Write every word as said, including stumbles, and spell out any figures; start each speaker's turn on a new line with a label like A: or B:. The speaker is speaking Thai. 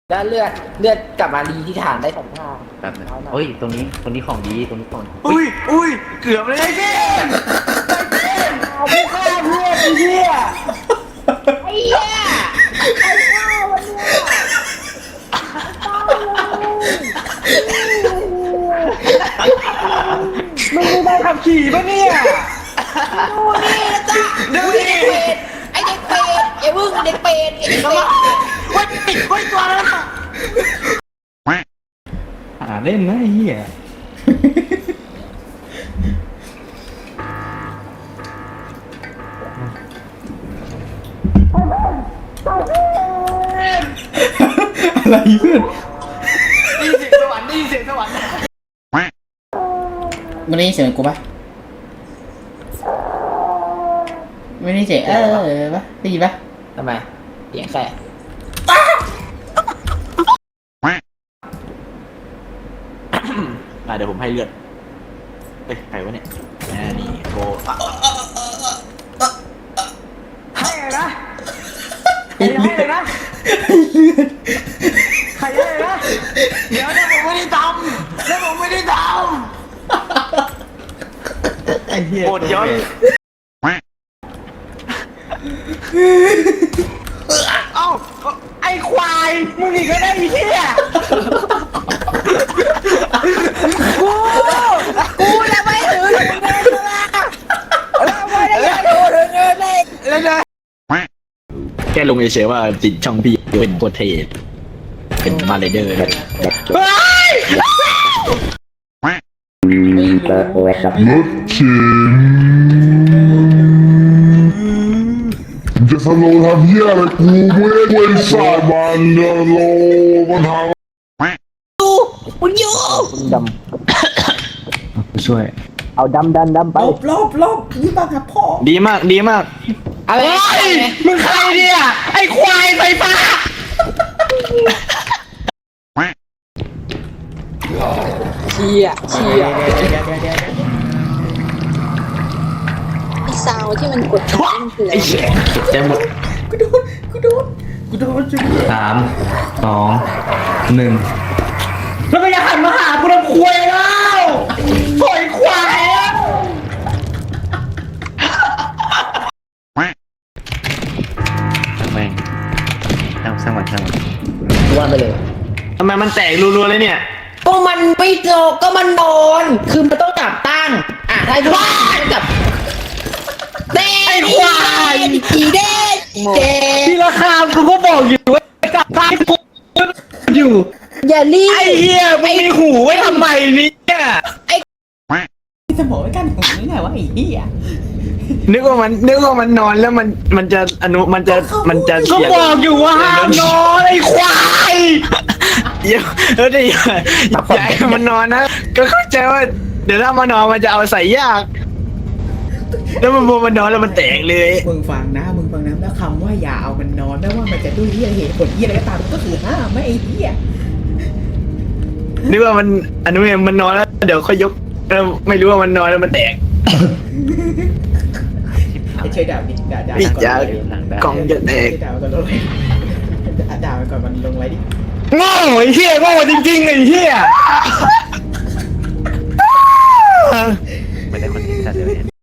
A: แล้วเลือดเลือดกลับมารีที่ฐานได้สองทาง
B: แบบนึงเฮ้ยตรงนี้ตรงนี้ของดีตรงนี้ของดี
C: อุ้ยอุ้ยเกือบเลยไอ้เก้
A: เอาพี่ฆ่าเพื่อนไอ้เหี้ยไอ้เหี้ยไอ้ฆ่าวันเนี้ยมึงไม่ได้ขับขี่ปะเนี่ยดูนี่นะจ๊ะดูเด็กเป็ดไอ้เด็กเป็ดไอ้มึงเด็กเป็ดไอ้เด็กเป็ด
C: เฮ้ยเฮ้ยตัวนั้น
B: หาเล่นนะไอ้เหี้ย
D: อะไรเพื่อน
C: ได้ยินเสียงสวรรค์ได้ยินเสียงสวรรค์
D: ไม่ได้ยินเสียงกูปะไม่ได้ยินเสียงเออเออปะได้ยินปะ
A: ทำไมเสียงแค่
C: อ่ะเดี๋ยวผมให้เลือดเอ้ยใครวะเนี่ยอ่านี่โทรให้เลยนะให้เลยนะใครให้เลยนะเดี๋ยวเนี่ยผมไม่ได้ทำแล้วผมไม่ได้ทำ
D: ไอ้เหี้ย
C: โอดย้อนเอ้าไอ้ควายมึงอีกก็ได้ไอ้เหี้ย
A: กูกูจะไม่ถือเงินละเราไม่ได้ถือเงินเลย
C: แล้วนะแค่ลงเฉยๆว่าติดช่องพี่เป็นโคตรเทสเป็นมาเลเดอร์ครับ
E: จะสโลว์ทำเหี้ยอะไรกูไม่ได้เว้นสายมันเดโลมันทำ
A: มึงอยู่
B: ช่วย
A: เอาดำดันดำไป
D: ลบลบลบนี่บ้าครับพ่อ
C: ดีมากดีมาก
A: อะไร
C: มึงใครเนี่ยไอ้ควายไฟฟ้า
A: เชียเชีย
F: ไอซาวที่มันกดดันคืออะไร
C: ไอ้เหี้ยจะหมด
D: กูโดนกูโดนกูโดนจุ๊บ
B: สามสองหนึ่ง
C: แล้วก็อย่าหันมาหากูทำควายแล้วปล่อยควายแล้ว
B: ช่างแม่งช่างช่างมันช่างมัน
A: ว่าไปเลย
C: ทำไมมันแตกรัวๆเลยเนี่ย
A: ก็มันไม่โจกก็มันนอนคือมันต้องจับตั้งอ่ะถ้าดูจับเด้ไอ้ควายอีเด้เด้
C: ที่ราคากูก็บอกอยู่ว่าจับท้ายกูอยู่
A: อย่ารีบ
C: ไอ้เหี้ยมึงมีหูไว้ทำไมเนี่ย
D: สมองไม่กันของนี่ไงวะไอ้เหี้ย
C: นึกว่ามันนึกว่ามันนอนแล้วมันมันจะอนุมันจะมันจะก็บอกอยู่ว่าห้ามนอนไอ้ควายอย่าเออเดี๋ยวอย่าอย่าให้มันนอนนะก็เข้าใจว่าเดี๋ยวถ้ามันนอนมันจะเอาใส่ยากแล้วมันพอมันนอนแล้วมันแตกเลย
D: มึงฟังนะมึงฟังนะแล้วคำว่าอย่าเอามันนอนไม่ว่ามันจะด้วยเหี้ยเหตุผลเหี้ยอะไรก็ตามก็คือห้ามไม่ไอ้เหี้ย
C: นึกว่ามันอนุเนี่ยมันนอนแล้วเดี๋ยวค่อยยกแล้วไม่รู้ว่ามันนอนแล้วมันแตก
D: ไอ้เชยด่าดิด่าด่า
C: นี่
D: ก่อน
C: จะ
D: เลย
C: กล่องจะแตก
D: ด่ามันก่อนลงเลยด่ามันก่อนมันลงไว้ดิ
C: โง่ไอ้เหี้ยโง่จริงๆไอ้เหี้ย
B: ไม่ได้คอนเทนต์แต่เดี๋ยวเนี่ย